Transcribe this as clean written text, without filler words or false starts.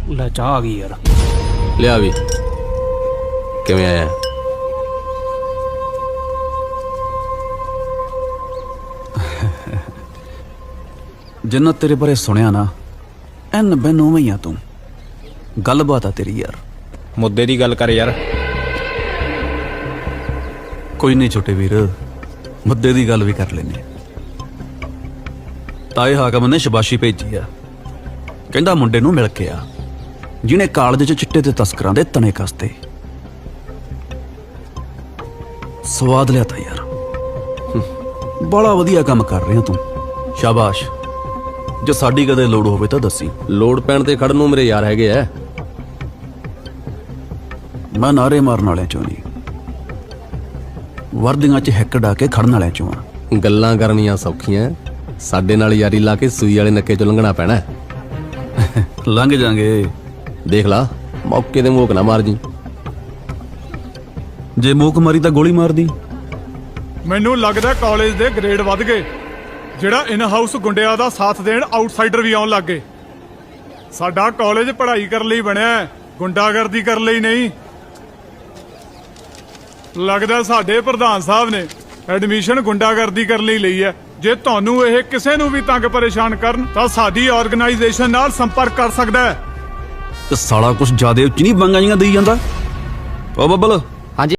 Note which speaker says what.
Speaker 1: ਲੈ ਚਾਹ ਆ ਗਈ ਯਾਰ।
Speaker 2: ਲਿਆ ਵੀ ਕਿਵੇਂ ਆਇਆ?
Speaker 3: ਜਿੰਨਾ ਤੇਰੇ ਬਾਰੇ ਸੁਣਿਆ ਨਾ ਐਨ ਬੈਨ ਉਵੇਂ ਹੀ ਆ ਤੂੰ। ਗੱਲਬਾਤ ਆ ਤੇਰੀ ਯਾਰ।
Speaker 2: ਮੁੱਦੇ ਦੀ ਗੱਲ ਕਰ ਯਾਰ।
Speaker 3: ਕੋਈ ਨਹੀਂ ਛੋਟੇ ਵੀਰ, ਮੁੱਦੇ ਦੀ ਗੱਲ ਵੀ ਕਰ ਲੈਨੇ। ਤਾਏ ਹਾਕਮ ਨੇ ਸ਼ਬਾਸ਼ੀ ਭੇਜੀ ਆ, ਕਹਿੰਦਾ ਮੁੰਡੇ ਨੂੰ ਮਿਲ ਕੇ ਆ ਜਿਹਨੇ ਕਾਲਜ 'ਚ ਚਿੱਟੇ ਤੇ ਤਸਕਰਾਂ ਦੇ ਤਣੇ ਕਸਤੇ। ਸਵਾਦ ਲਿਆ ਤਾ ਯਾਰ, ਬੜਾ ਵਧੀਆ ਕੰਮ ਕਰ ਰਿਹਾ ਤੂੰ, ਸ਼ਾਬਾਸ਼। ਜੇ ਸਾਡੀ ਕਦੇ ਲੋੜ ਹੋਵੇ ਤਾਂ ਦੱਸੀ।
Speaker 2: ਲੋੜ ਪੈਣ ਤੇ ਖੜਨ ਨੂੰ ਮੇਰੇ ਯਾਰ ਹੈਗੇ ਐ।
Speaker 3: ਮੈਂ ਨਾਰੇ ਮਾਰਨ ਵਾਲਿਆਂ ਚੋਂ ਨਹੀਂ, ਵਰਦੀਆਂ 'ਚ ਹਿੱਕ ਡਾ ਕੇ ਖੜਨ ਵਾਲਿਆਂ ਚੋਂ ਆ।
Speaker 2: ਗੱਲਾਂ ਕਰਨੀਆਂ ਸੌਖੀਆਂ, ਸਾਡੇ ਨਾਲ ਯਾਰੀ ਲਾ ਕੇ ਸੂਈ ਵਾਲੇ ਨੱਕੇ ਚੋਂ ਲੰਘਣਾ ਪੈਣਾ।
Speaker 3: ਲੰਘ ਜਾਾਂਗੇ।
Speaker 2: ਦੇਖ ਲਾ ਮੌਕੇ ਤੇ ਮੋਕ ਨਾ ਮਾਰ ਜੀ।
Speaker 3: ਜੇ ਮੂਕ ਮਾਰੀ ਤਾਂ ਗੋਲੀ ਮਾਰਦੀ।
Speaker 4: ਮੈਨੂੰ ਲੱਗਦਾ ਕਾਲਜ ਦੇ ਗ੍ਰੇਡ ਵੱਧ ਗਏ, ਜਿਹੜਾ ਇਨ ਹਾਊਸ ਗੁੰਡਿਆਂ ਦਾ ਸਾਥ ਦੇਣ ਆਊਟਸਾਈਡਰ ਵੀ ਆਉਣ ਲੱਗ ਗਏ। ਸਾਡਾ ਕਾਲਜ ਪੜ੍ਹਾਈ ਕਰਨ ਲਈ ਬਣਿਆ, ਗੁੰਡਾਗਰਦੀ ਕਰਨ ਲਈ ਨਹੀਂ। ਲੱਗਦਾ ਸਾਡੇ ਪ੍ਰਧਾਨ ਸਾਹਿਬ ਨੇ ਐਡਮਿਸ਼ਨ ਗੁੰਡਾਗਰਦੀ ਕਰਨ ਲਈ ਲਈ ਹੈ। ਜੇ ਤੁਹਾਨੂੰ ਇਹ ਕਿਸੇ ਨੂੰ ਵੀ ਤੰਗ ਪਰੇਸ਼ਾਨ ਕਰਨ ਤਾਂ ਸਾਡੀ ਆਰਗੇਨਾਈਜੇਸ਼ਨ ਨਾਲ ਸੰਪਰਕ ਕਰ ਸਕਦਾ ਹੈ।
Speaker 3: ਤੇ ਸਾਲਾ ਕੁਛ ਜ਼ਿਆਦਾ ਉੱਚ ਨਹੀਂ ਬੰਗਾਂ ਜੀਆਂ ਦੇਈ ਜਾਂਦਾ। ਓ ਬੱਬਲ